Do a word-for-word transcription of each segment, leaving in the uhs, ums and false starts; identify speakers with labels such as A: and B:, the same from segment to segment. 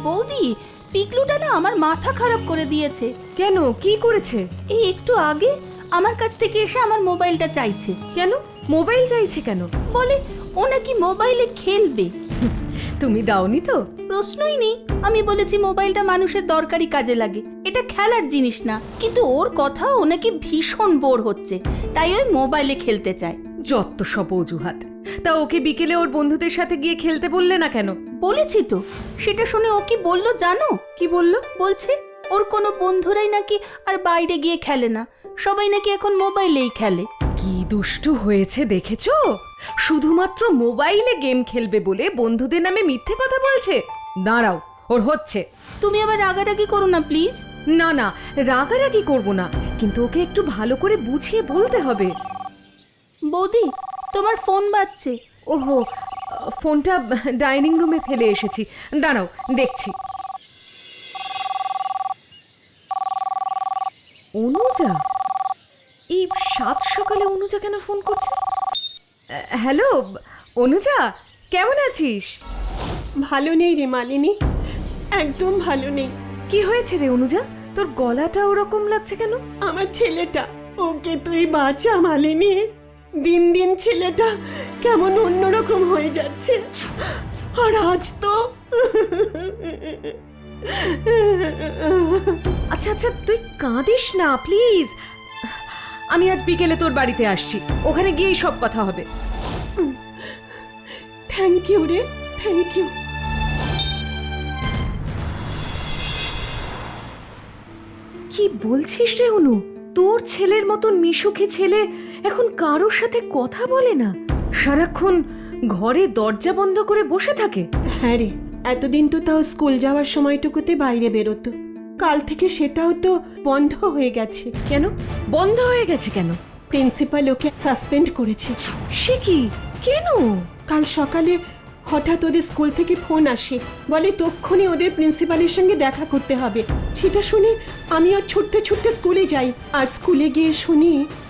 A: বৌদি, পিকলুটা না আমার মাথা খারাপ করে দিয়েছে।
B: কেন, কি করেছে?
A: এই একটু আগে আমার কাছ থেকে এসে আমার মোবাইলটা চাইছে।
B: কেন মোবাইল চাইছে কেন?
A: বলে ও নাকি মোবাইলে খেলবে।
B: তুমি দাওনি তো?
A: প্রশ্নই নেই। আমি বলেছি মোবাইলটা মানুষের দরকারি কাজে লাগে, এটা খেলার জিনিস না। কিন্তু ওর কথা ও নাকি ভীষণ বোর হচ্ছে, তাই ওই মোবাইলে খেলতে চায়।
B: যত সব অজুহাত। তা ওকে বিকেলে ওর বন্ধুদের সাথে গিয়ে খেলতে বললে না কেন?
A: বলেছি তো। সেটা শুনে ও কি বললো জানো?
B: কি বললো?
A: বলছে ওর কোনো বন্ধুরাই নাকি আর বাইরে গিয়ে খেলে না, সবাই নাকি এখন মোবাইলেই খেলে।
B: কি দুষ্টু হয়েছে দেখেছো? শুধুমাত্র মোবাইলে গেম খেলবে বলে বন্ধুদের নামে মিথ্যে কথা বলছে। দাঁড়াও, ওর হচ্ছে।
A: তুমি আবার রাগারাগি করো না প্লিজ।
B: না না, রাগারাগি করব না, কিন্তু ওকে একটু ভালো করে বুঝিয়ে বলতে হবে।
A: বৌদি, তোমার ফোন বাজছে।
B: ওহো, ফোনটা ডাইনিং রুমে ফেলে এসেছি। দাঁড়াও, দেখছি। অনুজা? এই সাত সকালে অনুজা কেন ফোন করছে? হ্যালো অনুজা, কেমন আছিস?
C: ভালো নেই রে মালিনী, একদম ভালো নেই।
B: কি হয়েছে রে অনুজা, তোর গলাটা ওরকম লাগছে কেন?
C: আমার ছেলেটা, ওকে তুই বাঁচা মালিনী। দিন দিন ছেলেটা কেমন অন্যরকম হয়ে যাচ্ছে। আর আজ তো
B: আচ্ছা আচ্ছা, তুই কাঁদিস না প্লিজ। আমি আজ বিকেলে তোর বাড়িতে আসছি, ওখানে গিয়েই সব কথা হবে।
C: থ্যাংক ইউ রে, থ্যাংক ইউ।
B: কি বলছিস রে অনু? তোর ছেলের মতন মিশুকে ছেলে এখন কারোর সাথে কথা বলে না, সারাক্ষণ ঘরে দরজা বন্ধ করে বসে থাকে।
C: হ্যাঁ রে, এতদিন তো তাও স্কুল যাওয়ার সময়টুকুতে বাইরে বেরোতো, কাল থেকে সেটাও তো বন্ধ হয়ে গেছে।
B: কেন বন্ধ হয়ে গেছে? কেন?
C: প্রিন্সিপাল ওকে সাসপেন্ড করেছে।
B: সে কি? কেন?
C: কাল সকালে হঠাৎ ওদের স্কুল থেকে ফোন আসে, বলে তক্ষুনি ওদের প্রিন্সিপালের সঙ্গে দেখা করতে হবে। সেটা শুনে আমিও ছুটতে ছুটতে স্কুলে যাই, আর স্কুলে গিয়ে শুনি।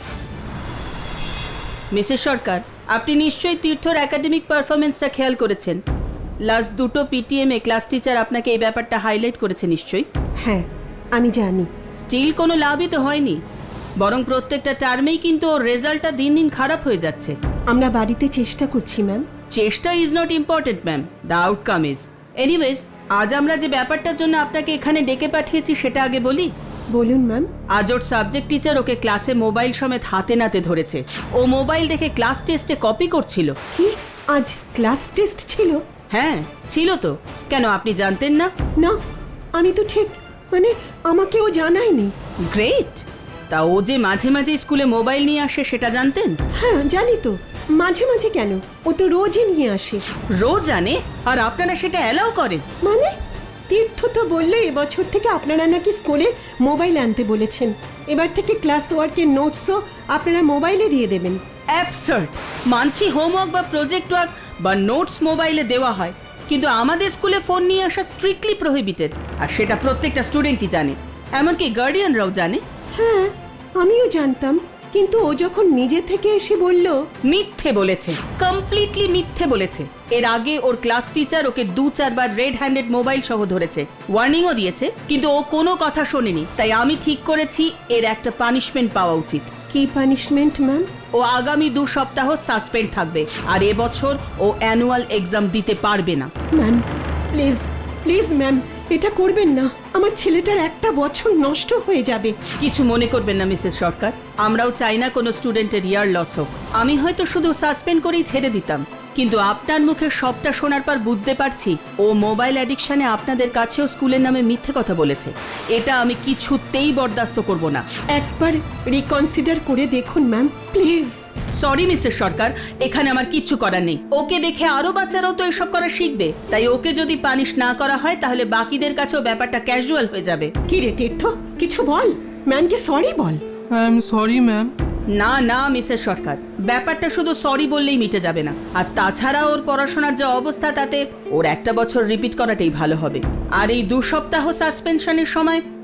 A: মিসেস সরকার, আপনি নিশ্চয়ই তীর্থর একাডেমিক পারফরমেন্সটা খেয়াল করেছেন। লাস্ট দুটো পিটিএম এ ক্লাস টিচার আপনাকে এই ব্যাপারটা হাইলাইট করেছে নিশ্চয়ই।
C: হ্যাঁ, আমি জানি।
A: স্টিল কোনো লাভই তো হয়নি, বরং প্রত্যেকটা টার্মেই কিন্তু ওর রেজাল্টটা দিন দিন খারাপ হয়ে যাচ্ছে।
C: আমরা বাড়িতে চেষ্টা করছি ম্যাম।
A: চেষ্টা is not important ma'am, the outcome is. Anyways, আজ আমরা যে ব্যাপারটার জন্য আপনাকে এখানে ডেকে পাঠিয়েছি সেটা আগে বলি।
C: বলুন ম্যাম।
A: আজ ওর সাবজেক্ট টিচার ওকে ক্লাসে মোবাইল সমেত হাতে নাতে ধরেছে। ও মোবাইল দেখে ক্লাস টেস্টে কপি করছিল।
C: কি আজ ক্লাস টেস্ট ছিল?
A: হ্যাঁ ছিল তো, কেন আপনি জানতেন না?
C: না, আমি তো ঠিক মানে আমাকে ও জানায়নি।
A: গ্রেট। তা ও যে মাঝে মাঝে স্কুলে মোবাইল নিয়ে আসে সেটা জানতেন?
C: হ্যাঁ জানি তো, মাঝে মাঝে কেন, ও তো রোজই নিয়ে আসে।
A: রোজ জানে, আর আপনারা সেটা অ্যালাউ করেন?
C: মানে তীর্থ তো বললো এবছর থেকে আপনারা নাকি স্কুলে মোবাইল আনতে বলেছেন, এবার থেকে ক্লাস ওয়ার্কের নোটসও আপনারা মোবাইলে দিয়ে দেবেন।
A: অ্যাবসার্ড। মানছি হোমওয়ার্ক বা প্রজেক্ট ওয়ার্ক বা নোটস মোবাইলে দেওয়া হয়, কিন্তু আমাদের স্কুলে ফোন নিয়ে আসা স্ট্রিক্টলি প্রহিবিটেড, আর সেটা প্রত্যেকটা স্টুডেন্টই জানে, এমনকি গার্ডিয়ানরাও জানে।
C: হ্যাঁ আমিও জানতাম, কিন্তু ও যখন নিজে থেকে এসে বলল।
A: মিথ্যে বলেছে, কমপ্লিটলি মিথ্যে বলেছে। এর আগে ওর ক্লাস টিচার ওকে দু চারবার রেড হ্যান্ডেড মোবাইল সহ ধরেছে, ওয়ার্নিংও দিয়েছে, কিন্তু ও কোনো কথা শোনেনি। তাই আমি ঠিক করেছি এর একটা পানিশমেন্ট পাওয়া উচিত।
C: কি পানিশমেন্ট ম্যাম?
A: ও আগামী দু সপ্তাহ সাসপেন্ড থাকবে, আর এবছর ও অ্যানুয়াল এক্সাম দিতে পারবে না।
C: ম্যাম প্লিজ প্লিজ ম্যাম, এটা করবেন না, আমার ছেলেটার একটা বছর নষ্ট হয়ে যাবে।
A: কিছু মনে করবেন না মিসেস সরকার, আমরাও চাই না কোনো স্টুডেন্টের ইয়ার লস হোক। আমি হয়তো শুধু সাসপেন্ড করেই ছেড়ে দিতাম, কিন্তু আপনার মুখে সবটা শোনার পর বুঝতে পারছি ও মোবাইল অ্যাডিকশনে আপনাদের কাছেও স্কুলের নামে মিথ্যে কথা বলেছে। এটা আমি কিছুতেই বরদাস্ত করব না।
C: একবার রিকনসিডার করে দেখুন ma'am, please.
A: Sorry Mrs Sarkar, এখানে আমার কিচ্ছু করার নেই। ওকে দেখে আরো বাচ্চারাও তো এসব করা শিখবে, তাই ওকে যদি পানিশ না করা হয় তাহলে বাকিদের কাছেও ব্যাপারটা ক্যাজুয়াল হয়ে যাবে।
C: কি রে তীর্থ, কিছু বল, ম্যামকে সরি বল।
D: I am sorry ma'am.
A: না না মিসেস সরকার, ব্যাপারটা শুধু সরি বললেই মিটে যাবে না। আর তাছাড়া ওর পড়াশোনার যে অবস্থা, তাতে ওর একটা বছর রিপিট করাটাই ভালো হবে। আর এই দু সপ্তাহ সাসপেনশনের সময়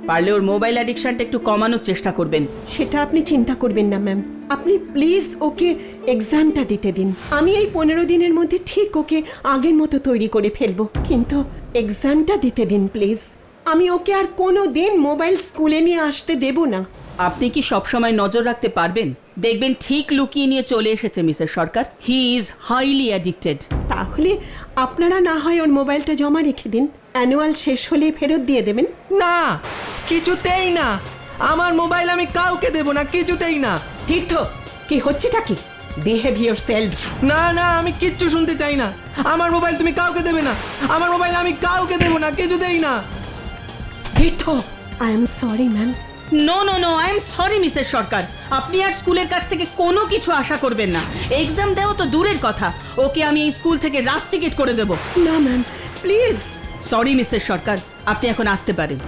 A: পারলে ওর মোবাইল অ্যাডিকশনটা একটু কমানোর চেষ্টা করবেন।
C: সেটা আপনি চিন্তা করবেন না ম্যাম, আপনি প্লিজ ওকে এক্সামটা দিতে দিন। আমি এই পনেরো দিনের মধ্যে ঠিক ওকে আগের মতো তৈরি করে ফেলবো, কিন্তু এক্সামটা দিতে দিন প্লিজ। আমি ওকে আর কোনো দিন মোবাইল স্কুলে নিয়ে আসতে দেব না।
A: আপনি কি সবসময় নজর রাখতে পারবেন? দেখবেন ঠিক লুকিয়ে নিয়ে চলে এসেছে Mrs Sarkar. He is highly addicted.
C: তাহলে আপনারা না হয় ওর মোবাইলটা জমা রেখে দিন, অ্যানুয়াল শেষ হলে ফেরত দিয়ে দেবেন।
D: না, কিছুতেই না। আমার মোবাইল আমি কাউকে দেব না, কিছুতেই না।
C: তীর্থ, কি হচ্ছেটা কি? Behave yourself.
D: না না, আমি কিচ্ছু শুনতে চাই না। আমার মোবাইল তুমি কাউকে দেবে না। আমার মোবাইল আমি কাউকে দেব না, কিছুতেই না।
C: Tirtha, I am sorry ma'am.
A: No no no, I am sorry Mrs Sarkar. আপনি আর স্কুলের কাছ থেকে কোনো কিছু আশা করবেন না। এক্সাম দেওয়া তো দূরের কথা, ওকে আমি এই স্কুল থেকে রাস্টিকেট করে দেব।
C: না ma'am, please.
A: Sorry Mrs Sarkar, আপনি এখন আসতে পারেন।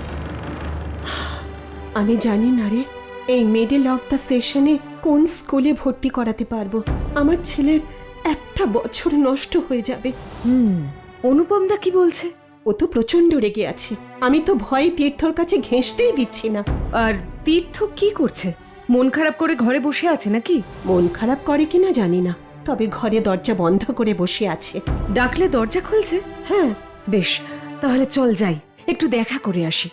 C: আমি জানি না রে, এই মিডল অফ দ্য সেশনে কোন স্কুলে ভর্তি করাতে পারবো। আমার ছেলের একটা বছর নষ্ট হয়ে যাবে।
B: হুম, অনুপমদা কি বলছে?
C: ও তো প্রচন্ড রেগে আছে। আমি তো ভয়ে তীর্থর কাছে ঘেঁষতেই দিচ্ছি না।
B: আর তীর্থ কি করছে? মন খারাপ করে ঘরে বসে আছে নাকি?
C: মন খারাপ করে কিনা জানি না, তবে ঘরে দরজা বন্ধ করে বসে আছে।
B: ডাকলে দরজা খুলছে?
C: হ্যাঁ।
B: বেশ, তাহলে চল যাই, একটু দেখা করে আসি।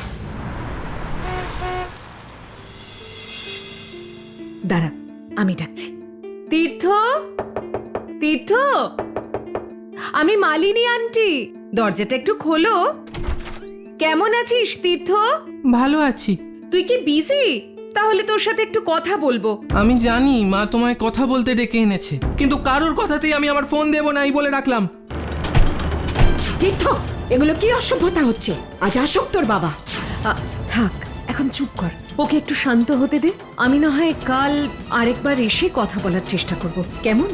B: দাঁড়া, আমি ডাকছি। তীর্থ, তীর্থ, আমি মালিনী আন্টি, দরজাটা একটু খোলো। কেমন আছিস তীর্থ?
D: ভালো আছি।
B: তুই কি বিজি? তাহলে তোর সাথে একটু কথা বলবো।
D: আমি জানি মা তোমায় কথা বলতে ডেকে এনেছে, কিন্তু কারোর কথাতেই আমি আমার ফোন দেব না, এই বলে রাখলাম।
C: তীর্থ, এগুলো কি অসভ্যতা হচ্ছে? আজ আসুক তোর বাবা।
B: আ, থাক, এখন চুপ কর, ওকে একটু শান্ত হতে দে। আমি না হয় কাল আরেকবার এসে কথা বলার চেষ্টা করব, কেমন?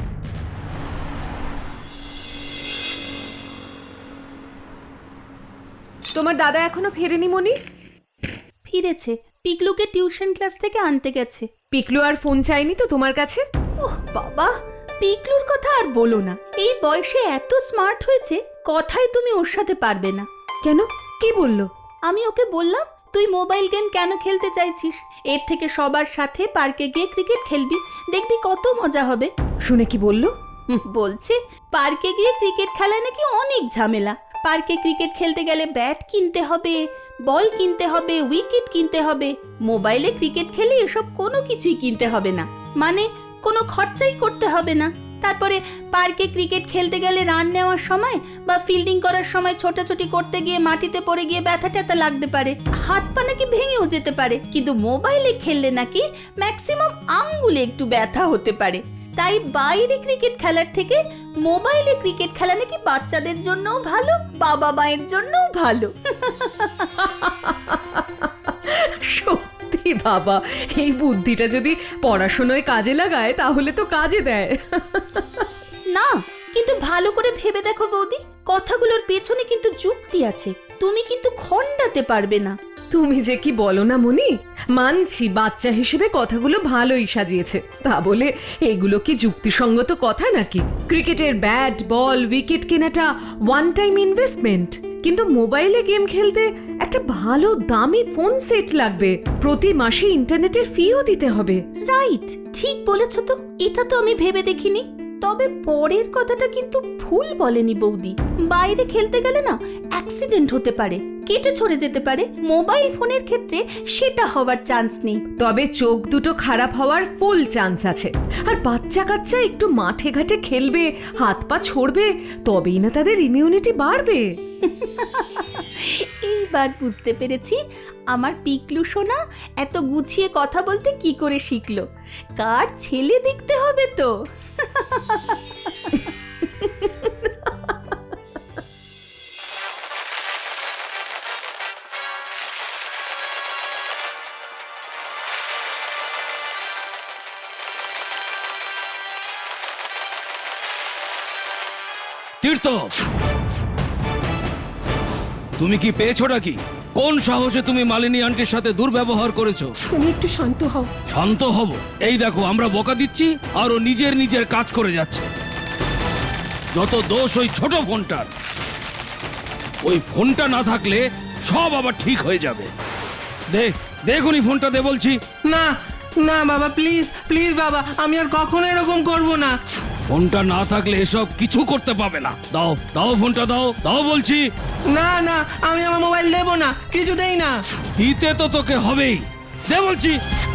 B: তোমার দাদা এখনো ফেরেনি মনি?
A: ফিরেছে, পিকলুকে টিউশন ক্লাস থেকে আনতে গেছে।
B: পিকলু আর ফোন চাইনি তো তোমার কাছে?
A: ওহ বাবা, পিকলুর কথা আর বলো না। এই বয়সে এত স্মার্ট হয়েছে, কথাই তুমি ওর সাথে পারবে না।
B: কেন, কি বললো?
A: আমি ওকে বললাম, তুই মোবাইল গেম কেন খেলতে চাইছিস? এর থেকে সবার সাথে পার্কে গিয়ে ক্রিকেট খেলবি, দেখবি কত মজা হবে।
B: শুনে কি বললো?
A: হুম, বলছে পার্কে গিয়ে ক্রিকেট খেলা নাকি অনেক ঝামেলা। পার্কে ক্রিকেট খেলতে গেলে ব্যাট কিনতে হবে, বল কিনতে হবে, উইকেট কিনতে হবে। মোবাইলে ক্রিকেট খেলে এসব কোনো কিছুই কিনতে হবে না, মানে কোনো খরচাই করতে হবে না। তারপরে পার্কে ক্রিকেট খেলতে গেলে রান নেওয়ার সময় বা ফিল্ডিং করার সময় ছোটাছুটি করতে গিয়ে মাটিতে পড়ে গিয়ে ব্যথা ট্যাথা লাগতে পারে, হাত পা নাকি ভেঙেও যেতে পারে। কিন্তু মোবাইলে খেললে নাকি ম্যাক্সিমাম আঙ্গুলে একটু ব্যথা হতে পারে। তাই বাইরে ক্রিকেট খেলার থেকে মোবাইলে ক্রিকেট খেলা নাকি বাচ্চাদের জন্যও ভালো, বাবা মায়ের জন্যও ভালো।
B: সত্যি বাবা, এই বুদ্ধিটা যদি পড়াশোনায় কাজে লাগায় তাহলে তো কাজে দেয়।
A: না, কিন্তু ভালো করে ভেবে দেখো বৌদি, কথাগুলোর পেছনে কিন্তু যুক্তি আছে। তুমি কিন্তু খণ্ডাতে পারবে না।
B: তুমি যে কি বলো না মনি, মানছি বাচ্চা হিসেবে কথাগুলো ভালোই সাজিয়েছে, তা বলে এগুলো কি যুক্তিসঙ্গত কথা নাকি? ক্রিকেটের ব্যাট বল উইকেট কেনাটা ওয়ান টাইম ইনভেস্টমেন্ট, কিন্তু মোবাইলে গেম খেলতে একটা ভালো দামি ফোন সেট লাগবে, প্রতি মাসে ইন্টারনেটের ফিও দিতে হবে।
A: রাইট, ঠিক বলেছ তো, এটা তো আমি ভেবে দেখিনি। তবে পরের কথাটা কিন্তু ভুল বলেনি বৌদি। বাইরে খেলতে গেলে না অ্যাক্সিডেন্ট হতে পারে, কেটে ছড়ে যেতে পারে। মোবাইল ফোনের ক্ষেত্রে সেটা হওয়ার চান্স নেই,
B: তবে চোখ দুটো খারাপ হওয়ার ফুল চান্স আছে। আর বাচ্চা কাচ্চা একটু মাঠে ঘাটে খেলবে, হাত পা ছড়বে, তবেই না তাদের ইমিউনিটি বাড়বে।
A: এইবার বুঝতে পেরেছি আমার পিকলু সোনা এত গুছিয়ে কথা বলতে কি করে শিখলো। কার ছেলে দেখতে হবে তো।
E: তীর্থ, তুমি কি পেয়েছোটা কি? কোন সাহসে তুমি মালিনী আন্টির সাথে দুর্ব্যবহার করেছো?
C: তুমি একটু শান্ত হও।
E: শান্ত হব? এই দেখো, আমরা বকা দিচ্ছি আর ও নিজের নিজের কাজ করে যাচ্ছে। যত দোষ ওই ছোট ফোনটার। ওই ফোনটা না থাকলে সব আবার ঠিক হয়ে যাবে। দে দেখুনি ফোনটা দে বলছি।
D: না না বাবা, প্লিজ প্লিজ বাবা, আমি আর কখনো এরকম করব না।
E: ফোনটা না থাকলে এসব কিছু করতে পাবে না। দাও দাও ফোনটা দাও, দাও বলছি।
D: না না, আমি আমার মোবাইল দেবো না, কিছুতেই না।
E: দিতে তো তোকে হবেই, দে বলছি।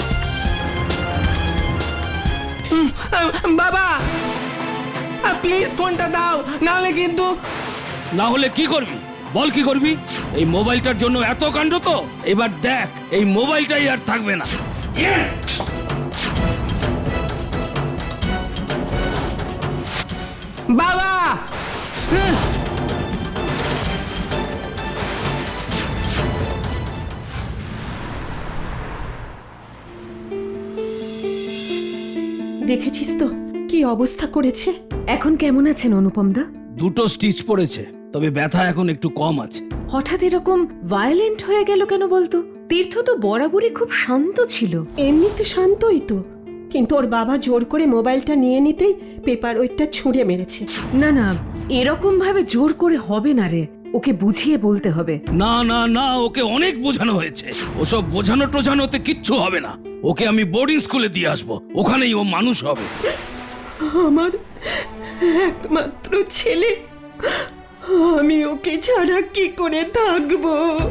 D: উম, আহ, বাবা প্লিজ ফোনটা দাও, নাহলে কিন্তু।
E: না হলে কি করবি বল, কি করবি? এই মোবাইলটার জন্য এত কাণ্ড তো, এবার দেখ এই মোবাইলটাই আর থাকবে না।
D: বাবা উহ,
C: দেখেছিস তো কি অবস্থা করেছে।
B: এখন কেমন আছেন অনুপম দা?
E: দুটো স্টিচ পড়েছে, তবে ব্যথা এখন একটু কম আছে।
B: হঠাৎ এরকম ভায়োলেন্ট হয়ে গেল কেন বলতো? তীর্থ তো বরাবরই খুব শান্ত ছিল।
C: এমনিতে শান্তই তো, কিন্তু ওর বাবা জোর করে মোবাইলটা নিয়ে নিতেই পেপার ওয়েটটা ছুঁড়ে মেরেছে।
B: না না, এরকম ভাবে জোর করে হবে না রে, ওকে বুঝিয়ে বলতে হবে।
E: না না না, ওকে অনেক বোঝানো হয়েছে। ওসব বোঝানো টোঝানোতে কিচ্ছু হবে না। ওকে আমি বোর্ডিং স্কুলে দিয়ে আসবো, ওখানেই ও মানুষ হবে।
C: আমার একমাত্র ছেলে, আমি ওকে ছাড়া কি করে থাকবো?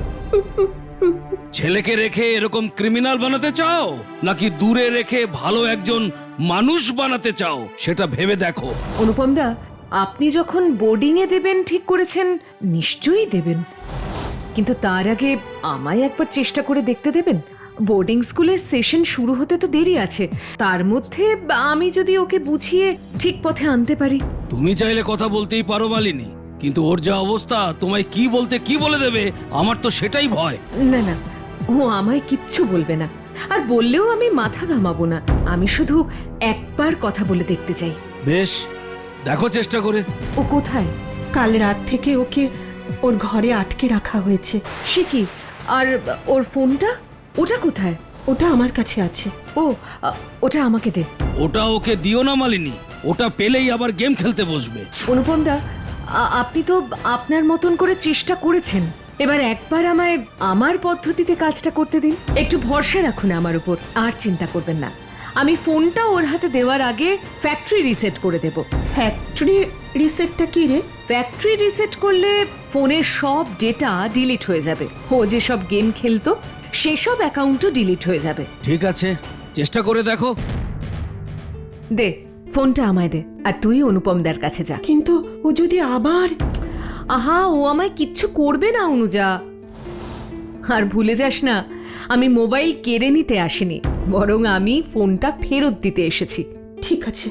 E: ছেলেকে রেখে এরকম ক্রিমিনাল বানাতে চাও, নাকি দূরে রেখে ভালো একজন মানুষ বানাতে চাও, সেটা ভেবে দেখো।
B: অনুপম দা, আপনি যখন বোর্ডিং এ দেবেন ঠিক করেছেন, নিশ্চয়ই দেবেন, কিন্তু তার আগে আমায় একবার চেষ্টা করে দেখতে দেবেন। বোর্ডিং স্কুলের সেশন শুরু হতে তো দেরি আছে, তার মধ্যে আমি যদি ওকে বুঝিয়ে ঠিক পথে আনতে পারি।
E: তুমি চাইলে কথা বলতেই পারো মালিনী, কিন্তু ওর যা অবস্থা, তোমায় কি বলতে কি বলে দেবে, আমার তো সেটাই ভয়।
B: না না, ও আমায় কিচ্ছু বলবে না, আর বললেও আমি মাথা ঘামাবো না। আমি শুধু একবার কথা বলে দেখতে চাই।
E: বেশ, দেখো চেষ্টা করে।
B: ও কোথায়?
C: কাল রাত থেকে ওকে ওর ঘরে আটকে রাখা হয়েছে।
B: সে কি? আর ওর ফোনটা, ওটা কোথায়?
C: ওটা আমার কাছে আছে।
B: ও, আ, ওটা আমাকে দে।
E: ওটা ওকে দিও না মালিনী, ওটা পেলেই আবার গেম খেলতে বসবে।
B: অনুপম দা, আ- আপনি তো আপনার মতন করে চেষ্টা করেছেন, এবার একবার আমায় আমার পদ্ধতিতে কাজটা করতে দিন। একটু ভরসা রাখুন আমার উপর, আর চিন্তা করবেন না। আমি ফোনটা ওর হাতে দেওয়ার আগে ফ্যাক্টরি রিসেট করে দেব।
C: ফ্যাক্টরি রিসেটটা কি রে?
B: ফ্যাক্টরি রিসেট করলে ফোনের সব ডেটা ডিলিট হয়ে যাবে। ও যে সব গেম খেলতো সেসব অ্যাকাউন্টও ডিলিট হয়ে যাবে।
E: ঠিক আছে, চেষ্টা করে দেখো।
B: দে ফোনটা আমায় দে, আর তুই অনুপমদার কাছে যা।
C: কিন্তু ও যদি আবার।
B: আহা, ও আমায় কিচ্ছু করবে না অনুজা। আর ভুলে যাস না, আমি মোবাইল কেড়ে নিতে আসিনি, বরং আমি ফোনটা ফেরত দিতে এসেছি।
C: ঠিক আছে।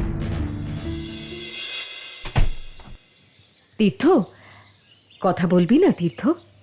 B: তীর্থ, কথা বলবি না তীর্থ?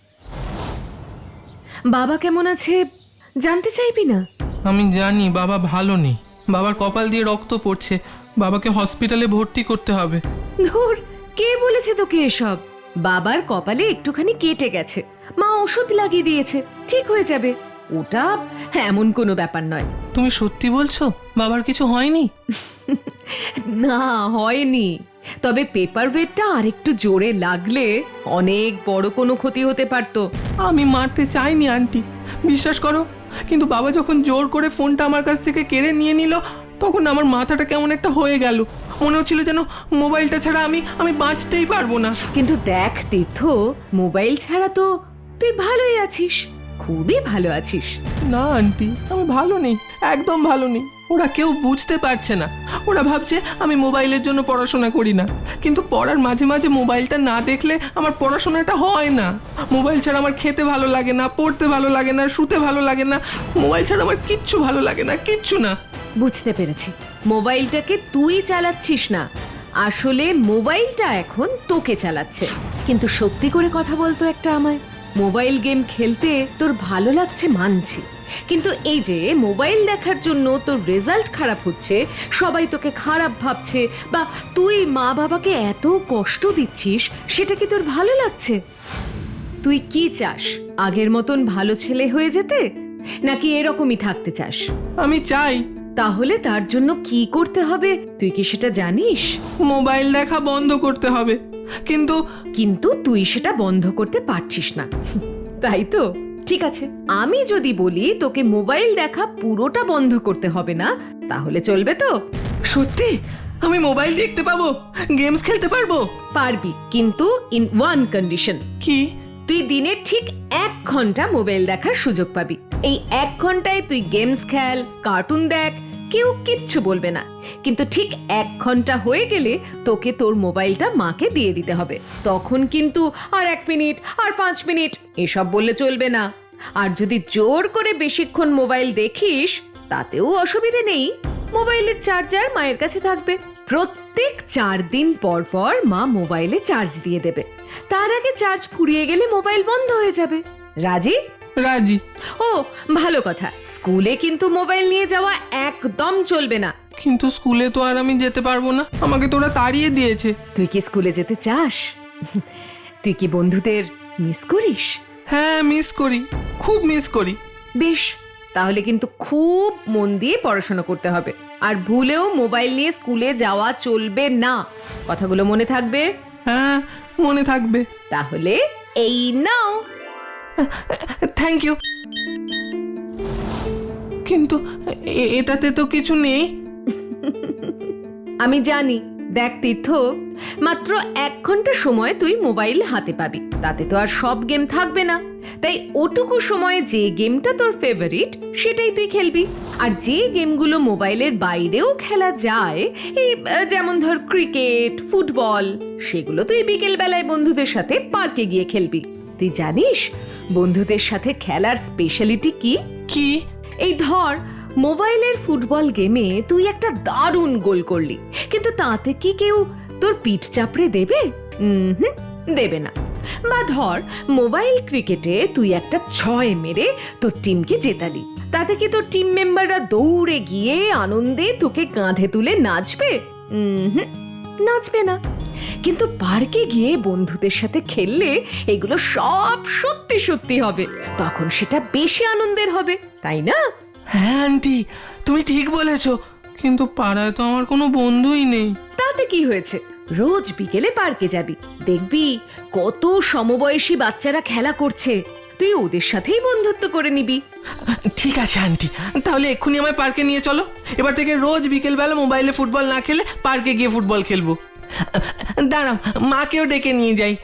B: বাবা কেমন আছে জানতে চাইবি না?
D: আমি জানি বাবা ভালো নেই, বাবার কপাল দিয়ে রক্ত পড়ছে, বাবাকে হসপিটালে ভর্তি করতে হবে।
B: ধুর, কে বলেছে তোকে এসব? বাবার কপালে একটুখানি কেটে গেছে, মা ওষুধ লাগিয়ে দিয়েছে, ঠিক হয়ে যাবে। ওটা এমন কোনো ব্যাপার নয়।
D: তুমি সত্যি বলছো বাবার কিছু হয়নি?
B: না, হয়নি, তবে পেপার ওয়েটটা আরেকটু জোরে লাগলে অনেক বড় কোনো ক্ষতি হতে পারতো।
D: আমি মারতে চাইনি আন্টি, বিশ্বাস করো, কিন্তু বাবা যখন জোর করে ফোনটা আমার কাছ থেকে কেড়ে নিয়ে নিল, তখন আমার মাথাটা কেমন একটা হয়ে গেল। মনে হচ্ছিল যেন মোবাইলটা ছাড়া আমি আমি বাঁচতেই পারবো না।
B: কিন্তু দেখ তীর্থ, মোবাইল ছাড়া তো তুই ভালোই আছিস, খুবই ভালো আছিস।
D: না আন্টি, আমি ভালো নেই, একদম ভালো নেই। ওরা কেউ বুঝতে পারছে না, ওরা ভাবছে আমি মোবাইলের জন্য পড়াশোনা করি না, কিন্তু পড়ার মাঝে মাঝে মোবাইলটা না দেখলে আমার পড়াশোনাটা হয় না। মোবাইল ছাড়া আমার খেতে ভালো লাগে না, পড়তে ভালো লাগে না, শুতে ভালো লাগে না, মোবাইল ছাড়া আমার কিচ্ছু ভালো লাগে না, কিচ্ছু না।
B: বুঝতে পেরেছি, মোবাইলটাকে তুই চালাচ্ছিস না, আসলে মোবাইলটা এখন তোকে চালাচ্ছে। কিন্তু সত্যি করে কথা বলতো একটা আমায়, মোবাইল গেম খেলতে তোর ভালো লাগছে মানছি, কিন্তু এই যে মোবাইল দেখার জন্য তোর রেজাল্ট খারাপ হচ্ছে, সবাই তোকে খারাপ ভাবছে, বা তুই মা বাবাকে এত কষ্ট দিচ্ছিস, সেটা কি তোর ভালো লাগছে? তুই কি চাস, আগের মতন ভালো ছেলে হয়ে যেতে, নাকি এরকমই থাকতে চাস?
D: আমি চাই।
B: তাহলে তার জন্য কি করতে হবে তুই কি সেটা জানিস?
D: মোবাইল দেখা বন্ধ করতে হবে, কিন্তু
B: কিন্তু তুই সেটা বন্ধ করতে পারছিস না। তাই তো, ঠিক আছে, আমি যদি বলি তোকে মোবাইল দেখা পুরোটা বন্ধ করতে হবে না, তাহলে চলবে তো?
D: সত্যি আমি মোবাইল দেখতে পাবো, গেমস খেলতে পারবো?
B: পারবি, কিন্তু ইন ওয়ান কন্ডিশন।
D: কি?
B: তুই দিনে ঠিক এক ঘন্টা মোবাইল দেখার সুযোগ পাবি। এই এক ঘন্টায় তুই গেমস খেল, কার্টুন দেখ, কেউ কিচ্ছু বলবে না। কিন্তু ঠিক এক ঘন্টা হয়ে গেলে তোকে তোর মোবাইলটা মাকে দিয়ে দিতে হবে। তখন কিন্তু আর এক মিনিট আর পাঁচ মিনিট এসব বললে চলবে না। আর যদি জোর করে বেশিক্ষণ মোবাইল দেখিস তাতেও অসুবিধে নেই, মোবাইলের চার্জার মায়ের কাছে থাকবে। প্রত্যেক চার দিন পর পর মা মোবাইলে চার্জ দিয়ে দেবে। তার আগে চার্জ ফুরিয়ে গেলে মোবাইল বন্ধ হয়ে যাবে। রাজি?
D: রাজি।
B: ও ভালো কথা, স্কুলে কিন্তু মোবাইল নিয়ে যাওয়া একদম চলবে না।
D: কিন্তু স্কুলে তো আর আমি যেতে পারবো না, আমাকে তোরা তাড়িয়ে দিয়েছে।
B: তুই কি স্কুলে যেতে চাস? তুই কি বন্ধুদের মিস করিস?
D: হ্যাঁ মিস করি, খুব মিস করি।
B: বেশ, তাহলে কিন্তু খুব মন দিয়ে পড়াশোনা করতে হবে। আর ভুলেও মোবাইল নিয়ে স্কুলে যাওয়া চলবে না। কথাগুলো মনে থাকবে?
D: হ্যাঁ মনে থাকবে।
B: তাহলে এই নাও।
D: Thank you. কিন্তু এ- এটাতে তো কিছু নেই।
B: আমি জানি। দেখ তীর্থ, মাত্র এক ঘন্টা সময় তুই মোবাইল হাতে পাবি, তাতে তো আর সব গেম থাকবে না। তাই ওটুকু সময়ে যে গেমটা তোর ফেভারিট সেটাই তুই খেলবি। আর যে গেমগুলো মোবাইলের বাইরেও খেলা যায়, এই আহ, যেমন ধর ক্রিকেট, ফুটবল, সেগুলো তুই বিকেল বেলায় বন্ধুদের সাথে পার্কে গিয়ে খেলবি। তুই জানিস বন্ধুদের সাথে খেলার স্পেশালিটি কি?
D: কি?
B: এই ধর, মোবাইলের ফুটবল গেমে তুই একটা দারুণ গোল করলি, কিন্তু তাতে কি কেউ তোর পিঠ চাপড়ে দেবে? হুম দেবে না। বা ধর, মোবাইল ক্রিকেটে তুই একটা ছয় মেরে তোর টিমকে জেতালি, তাতে কি তোর টিম মেম্বাররা দৌড়ে গিয়ে আনন্দে তোকে কাঁধে তুলে নাচবে? হুম নাচবে না। কিন্তু পার্কে গিয়ে বন্ধুদের সাথে খেললে এগুলো সব সত্যি সত্যি হবে, তখন সেটা বেশি আনন্দের হবে, তাই না?
D: হ্যাঁ আন্টি, তুমি ঠিক বলেছো, কিন্তু পাড়ায় তো আমার কোনো বন্ধুই নেই।
B: তাতে কি হয়েছে? রোজ বিকেলে পার্কে যাবি, দেখবি কত সমবয়সী বাচ্চারা খেলা করছে, তুই ওদের সাথেই বন্ধুত্ব করে নিবি।
D: ঠিক আছে আন্টি, তাহলে এক্ষুনি আমায় পার্কে নিয়ে চলো। এবার থেকে রোজ বিকেলবেলা মোবাইলে ফুটবল না খেলে পার্কে গিয়ে ফুটবল খেলবো। দাঁড়াও, মাকেও ডেকে নিয়ে যাই।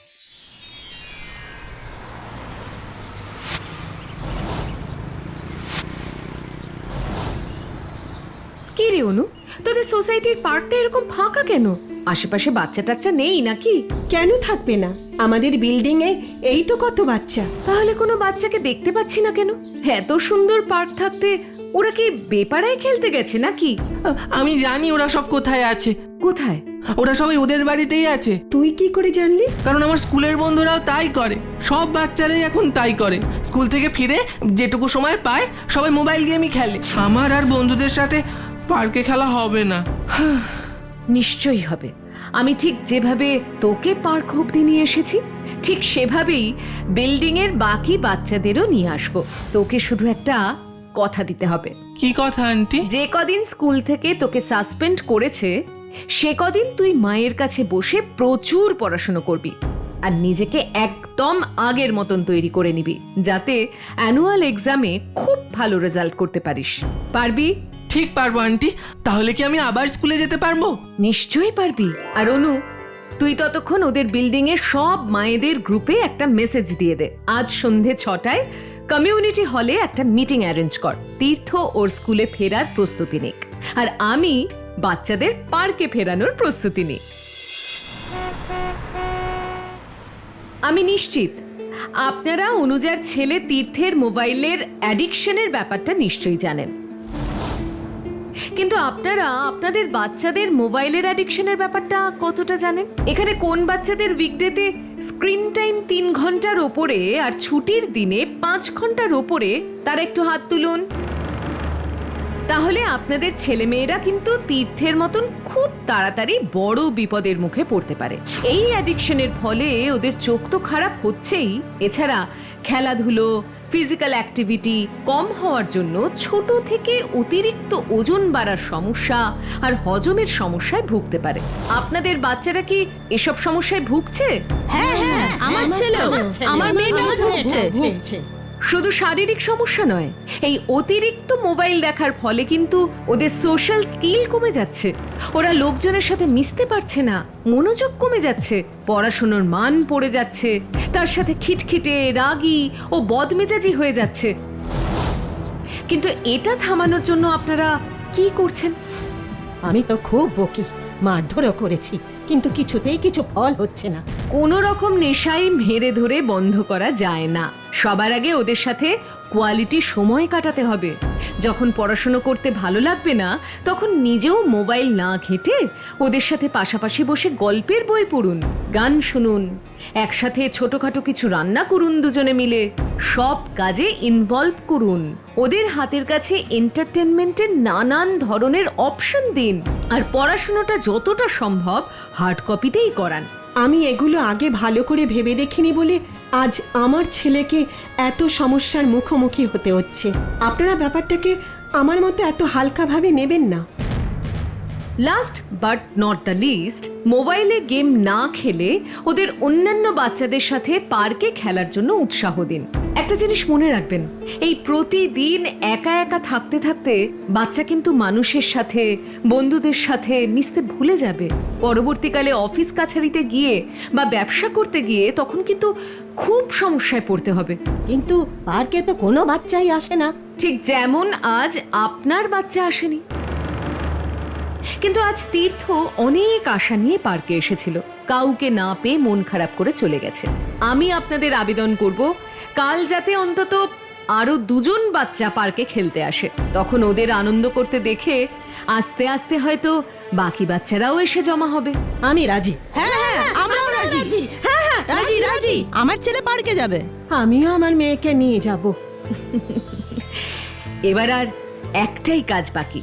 B: কি রে অনু, তোদের সোসাইটির পার্কটা এরকম ফাঁকা কেন? আশেপাশে বাচ্চা টাচ্চা নেই নাকি?
C: কেন থাকবে না? আমাদের বিল্ডিং এ এই তো কত বাচ্চা।
B: তাহলে কোনো বাচ্চাকে দেখতে পাচ্ছি না কেন? এত সুন্দর পার্ক থাকতে ওরা কি বেপাড়ায় খেলতে গেছে নাকি?
D: আমি জানি ওরা সব কোথায় আছে।
B: কোথায়?
D: ওরা সবাই ওদের বাড়িতেই আছে।
C: তুই কি করে জানলি?
D: কারণ আমার স্কুলের বন্ধুরাও তাই করে, সব বাচ্চারাই এখন তাই করে। স্কুল থেকে ফিরে যেটুকু সময় পায় সবাই মোবাইল গেমই খেলে। আমার আর বন্ধুদের সাথে পার্কে খেলা হবে না।
B: নিশ্চয়ই হবে। আমি ঠিক যেভাবে তোকে পার্ক অব্দি নিয়ে এসেছি, ঠিক সেভাবেই বিল্ডিং এর বাকি বাচ্চাদেরও নিয়ে আসবো। তোকে শুধু একটা কথা দিতে হবে।
D: কি কথা আন্টি?
B: যে কদিন স্কুল থেকে তোকে সাসপেন্ড করেছে সে কদিন তুই মায়ের কাছে বসে প্রচুর পড়াশোনা করবি, আর নিজেকে একদম আগের মতন তৈরি করে নিবি, যাতে অ্যানুয়াল এক্সামে খুব ভালো রেজাল্ট করতে পারিস। পারবি?
D: ঠিক পারবো আন্টি। তাহলে কি আমি আবার স্কুলে যেতে পারবো?
B: নিশ্চয়ই পারবি। আর অনু, তুই ততক্ষণ ওদের বিল্ডিং এর সব মায়েদের গ্রুপে একটা মেসেজ দিয়ে দে, আজ সন্ধে ছটায় কমিউনিটি হলে একটা মিটিং অ্যারেঞ্জ কর, তীর্থ ওর স্কুলে ফেরার প্রস্তুতি নিক, আর আমি বাচ্চাদের পার্কে ফেরানোর প্রস্তুতি নিই। আমি নিশ্চিত আপনারা অনুজার ছেলে তীর্থের মোবাইলের অ্যাডিকশনের ব্যাপারটা নিশ্চয়ই জানেন, কিন্তু আপনারা আপনাদের বাচ্চাদের মোবাইলের অ্যাডিকশনের ব্যাপারটা কতটা জানেন? এখানে কোন বাচ্চাদের উইকডেতে স্ক্রিন টাইম তিন ঘন্টার ওপরে আর ছুটির দিনে পাঁচ ঘন্টার ওপরে, তারা একটু হাত তুলুন। তাহলে আপনাদের ছেলেমেয়েরা কিন্তু তীর্থের মতন খুব তাড়াতাড়ি বড় বিপদের মুখে পড়তে পারে। এই অ্যাডিকশনের ফলে ওদের চোখ তো খারাপ হচ্ছেই, এছাড়া খেলাধুলো, ফিজিক্যাল অ্যাক্টিভিটি কম হওয়ার জন্য ছোট থেকে অতিরিক্ত ওজন বাড়ার সমস্যা আর হজমের সমস্যায় ভুগতে পারে। আপনাদের বাচ্চারা কি এসব সমস্যায় ভুগছে?
F: হ্যাঁ হ্যাঁ আমার ছেলেও আমার মেয়েটাও ভুগছে
B: শুধু শারীরিক সমস্যা নয়, এই অতিরিক্ত মোবাইল দেখার ফলে কিন্তু ওদের সোশ্যাল স্কিল কমে যাচ্ছে। ওরা লোকজনের সাথে মিশতে পারছে না, মনোযোগ কমে যাচ্ছে, পড়াশোনার মান পড়ে যাচ্ছে, তার সাথে খিটখিটে, রাগী ও বদমেজাজি হয়ে যাচ্ছে। কিন্তু এটা থামানোর জন্য আপনারা কি করছেন?
C: আমি তো খুব বকি, মারধরও করেছি, কিন্তু কিছুতেই কিছু ফল হচ্ছে না।
B: কোনো রকম নেশাই মেরে ধরে বন্ধ করা যায় না। সবার আগে ওদের সাথে কোয়ালিটি সময় কাটাতে হবে। যখন পড়াশুনো করতে ভালো লাগবে না, তখন নিজেও মোবাইল না ঘেঁটে ওদের সাথে পাশাপাশি বসে গল্পের বই পড়ুন, গান শুনুন, একসাথে ছোটখাটো কিছু রান্না করুন দুজনে মিলে, সব কাজে ইনভলভ করুন। ওদের হাতের কাছে এন্টারটেনমেন্টের নানান ধরনের অপশন দিন, আর পড়াশুনোটা যতটা সম্ভব হার্ড কপিতেই করান।
C: আমি এগুলো আগে ভালো করে ভেবে দেখিনি বলে আজ আমার ছেলেকে এত সমস্যার মুখোমুখি হতে হচ্ছে। আপনারা ব্যাপারটাকে আমার মতো এত হালকাভাবে নেবেন না।
B: Last but not the least, মোবাইলে গেম না খেলে ওদের অন্যান্য বাচ্চাদের সাথে পার্কে খেলার জন্য উৎসাহ দিন। একটা জিনিস মনে রাখবেন, এই প্রতিদিন একা একা থাকতে থাকতে বাচ্চা কিন্তু মানুষের সাথে, বন্ধুদের সাথে মিশতে ভুলে যাবে। পরবর্তীকালে অফিস কাছারিতে গিয়ে বা ব্যবসা করতে গিয়ে তখন কিন্তু খুব সমস্যায় পড়তে হবে।
C: কিন্তু পার্কে তো কোনো বাচ্চাই আসে না।
B: ঠিক যেমন আজ আপনার বাচ্চা আসেনি, কিন্তু আজ তীর্থ অনেক আশা নিয়ে পার্কে এসেছিল, কাউকে না পেয়ে মন খারাপ করে চলে গেছে। আমি আপনাদের আবেদন করব, কাল যাতে অন্তত আরো দুজন বাচ্চা পার্কে খেলতে আসে। তখন ওদের আনন্দ করতে দেখে আস্তে আস্তে হয়তো বাকি বাচ্চারাও এসে জমা হবে।
C: আমি রাজি।
F: হ্যাঁ হ্যাঁ আমরাও রাজি।
C: হ্যাঁ হ্যাঁ
F: রাজি রাজি আমার ছেলে পার্কে যাবে।
C: আমিও আমার মেয়েকে নিয়ে যাব।
B: এবার আর একটাই কাজ বাকি।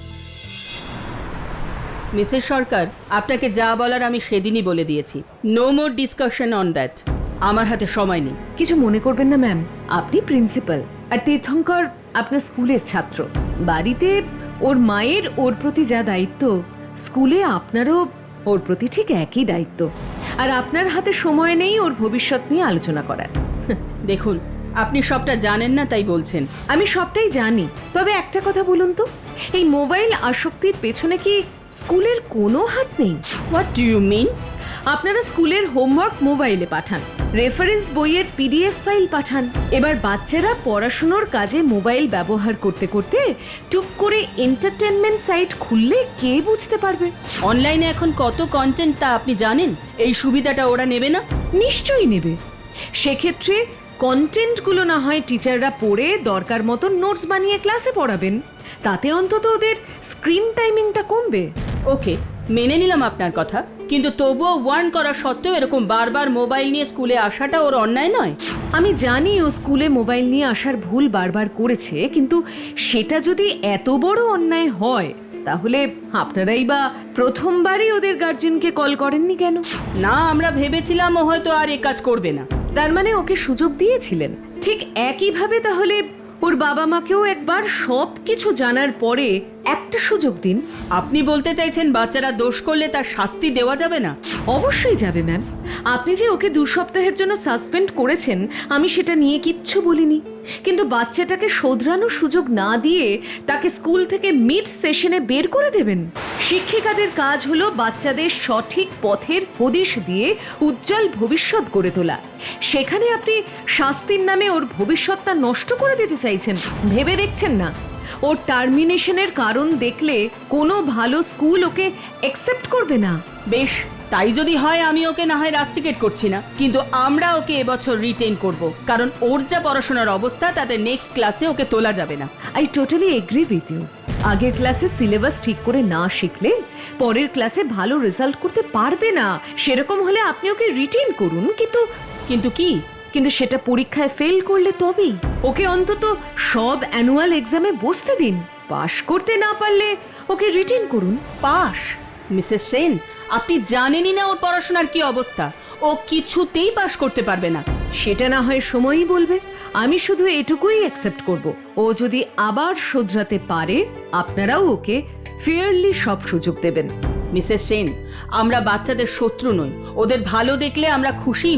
A: মিসেস সরকার, আপনাকে যা বলার আমি সেদিনই বলে দিয়েছি। No more discussion on that. আমার হাতে সময় নেই।
B: কিছু মনে করবেন না ম্যাম, আপনি প্রিন্সিপাল আর তীর্থঙ্কর আপনার স্কুলের ছাত্র। বাড়িতে ওর মায়ের ওর প্রতি যা দায়িত্ব, স্কুলে আপনারও ওর প্রতি ঠিক একই দায়িত্ব। আর আপনার হাতে সময় নেই ওর ভবিষ্যৎ নিয়ে আলোচনা করার।
A: দেখুন, আপনি সবটা জানেন না তাই বলছেন।
B: আমি সবটাই জানি, তবে একটা কথা বলুন তো, এই মোবাইল আসক্তির পেছনে কি স্কুলের কোনো হাত নেই?
A: What do you mean?
B: আপনারা স্কুলের হোমওয়ার্ক মোবাইলে পাঠান, রেফারেন্স বইয়ের পিডিএফ ফাইল পাঠান। এবার বাচ্চারা পড়াশুনোর কাজে মোবাইল ব্যবহার করতে করতে টুক করে এন্টারটেনমেন্ট সাইট খুললে কে বুঝতে পারবে?
A: অনলাইনে এখন কত কন্টেন্ট তা আপনি জানেন? এই সুবিধাটা ওরা নেবে না?
B: নিশ্চয়ই নেবে। সেক্ষেত্রে কন্টেন্টগুলো না হয় টিচাররা পড়ে দরকার মতো নোটস বানিয়ে ক্লাসে পড়াবেন, তাতে অন্তত ওদের স্ক্রিন টাইমিংটা কমবে।
A: ওকে, মেনে নিলাম আপনার কথা, কিন্তু তবুও ওয়ার্ন করা সত্ত্বেও এরকম বারবার মোবাইল নিয়ে স্কুলে আসাটা ওর অন্যায় নয়?
B: আমি জানি ও স্কুলে মোবাইল নিয়ে আসার ভুল বারবার করেছে, কিন্তু সেটা যদি এত বড় অন্যায় হয় তাহলে আপনারাই বা প্রথমবারই ওদের গার্জেনকে কল করেননি কেন?
A: না, আমরা ভেবেছিলাম ও হয়তো আর এ কাজ করবে না।
B: তার মানে ওকে সুযোগ দিয়েছিলেন। ঠিক একইভাবে তাহলে ওর বাবা মাকেও একবার সব কিছু জানার পরে একটা সুযোগ দিন।
A: আপনি বলতে চাইছেন বাচ্চারা দোষ করলে তার শাস্তি দেওয়া যাবে না?
B: অবশ্যই যাবে ম্যাম। আপনি যে ওকে দু সপ্তাহের জন্য সাসপেন্ড করেছেন, আমি সেটা নিয়ে কিচ্ছু বলিনি, কিন্তু বাচ্চাটাকে শোধরানোর সুযোগ না দিয়ে তাকে স্কুল থেকে মিড সেশনে বের করে দেবেন? শিক্ষিকাদের কাজ হলো বাচ্চাদের সঠিক পথের হদিশ দিয়ে উজ্জ্বল ভবিষ্যৎ গড়ে তোলা। সেখানে আপনি শাস্তির নামে ওর ভবিষ্যৎটা নষ্ট করে দিতে চাইছেন। ভেবে দেখছেন না ওর টার্মিনেশনের কারণ দেখলে কোনো ভালো স্কুল ওকে অ্যাকসেপ্ট করবে না?
A: বেশ, তাই যদি হয় আমি ওকে না হয় রাস্টিকেট করছি না, কিন্তু আমরা ওকে এবছর রিটেন করব, কারণ ওর যা পড়াশোনার অবস্থা তাতে নেক্সট ক্লাসে ওকে তোলা যাবে না।
B: I totally agree with you. আগের ক্লাসে সিলেবাস ঠিক করে না শিখলে পরের ক্লাসে ভালো রেজাল্ট করতে পারবে না। সেরকম হলে আপনি ওকে রিটেন করুন, কিন্তু
A: কিন্তু কি?
B: কিন্তু সেটা পরীক্ষায় ফেল করলে তবেই। ওকে অন্তত সব অ্যানুয়াল এক্সামে বসতে দিন। পাশ করতে না পারলে ওকে রিটেন করুন।
A: পাস? মিসেস সেন, আপনি জানেনই না ওর পড়াশোনার কি অবস্থা। ও কিছুতেই পাশ করতে পারবে না।
B: সেটা না হয় সময়ই বলবে। আমি শুধু এটুকুই অ্যাকসেপ্ট করব, ও যদি আবার শোধরাতে পারে আপনারাও ওকে ফেয়ারলি সব সুযোগ দেবেন।
A: মিসেস সেন, আমরা বাচ্চাদের শত্রু নই। ওদের ভালো দেখলে আমরা খুশিই হই।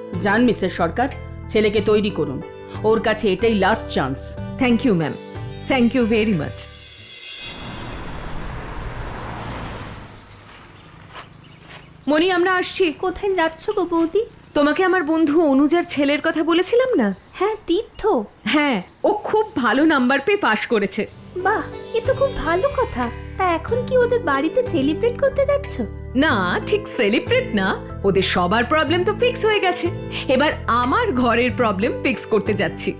A: যান মিসেস সরকার, ছেলেকে তৈরি করুন। ওর কাছে এটাই last chance.
B: Thank you ma'am, thank you very much. Moni, আমরা আসছি।
G: কোথায় যাচ্ছ গো বৌদি?
B: তোমাকে আমার বন্ধু অনুজার ছেলের কথা বলেছিলাম না?
G: হ্যাঁ, তীর্থ।
B: হ্যাঁ, ও খুব ভালো নাম্বার পেয়ে পাশ করেছে।
G: বাহ, এ তো খুব ভালো কথা। তা এখন কি ওদের বাড়িতে সেলিব্রেট করতে যাচ্ছ?
B: না, ঠিক সেলিব্রেট না, ওদের সবার প্রবলেম তো ফিক্স হয়ে গেছে, এবার আমার ঘরের প্রবলেম ফিক্স করতে যাচ্ছি।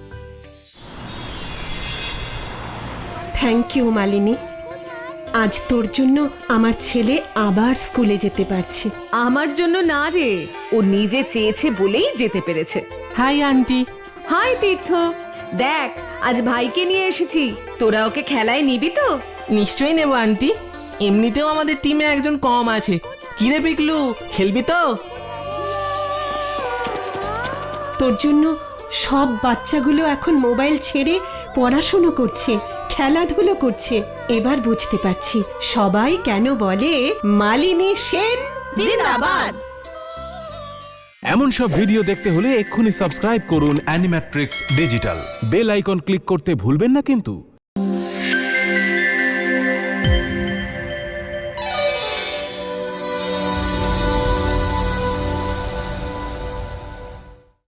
C: Thank you Malini. আজ তোর জন্য আমার ছেলে আবার স্কুলে যেতে পারছে।
B: আমার জন্য না রে, ও নিজে চেয়েছে বলেই যেতে পেরেছে।
D: Hi aunty.
B: হাই তীর্থ, দেখ আজ ভাইকে নিয়ে এসেছি, তোরা ওকে খেলায় নিবি তো?
D: নিশ্চয়ই নেবো আন্টি, এমনিতেও আমাদের টিমে একজন কম আছে। কিরে পিকলু, খেলবি তো?
C: তোর জন্য সব বাচ্চাগুলো এখন মোবাইল ছেড়ে পড়াশুনো করছে, খেলাধুলো করছে। এবার বুঝতে পারছি সবাই কেন বলে মালিনী সেন
F: জিন্দাবাদ।
H: এমন সব ভিডিও দেখতে হলে এক্ষুনি সাবস্ক্রাইব করুন Animatrix digital. Bell icon click করতে ভুলবেন না কিন্তু।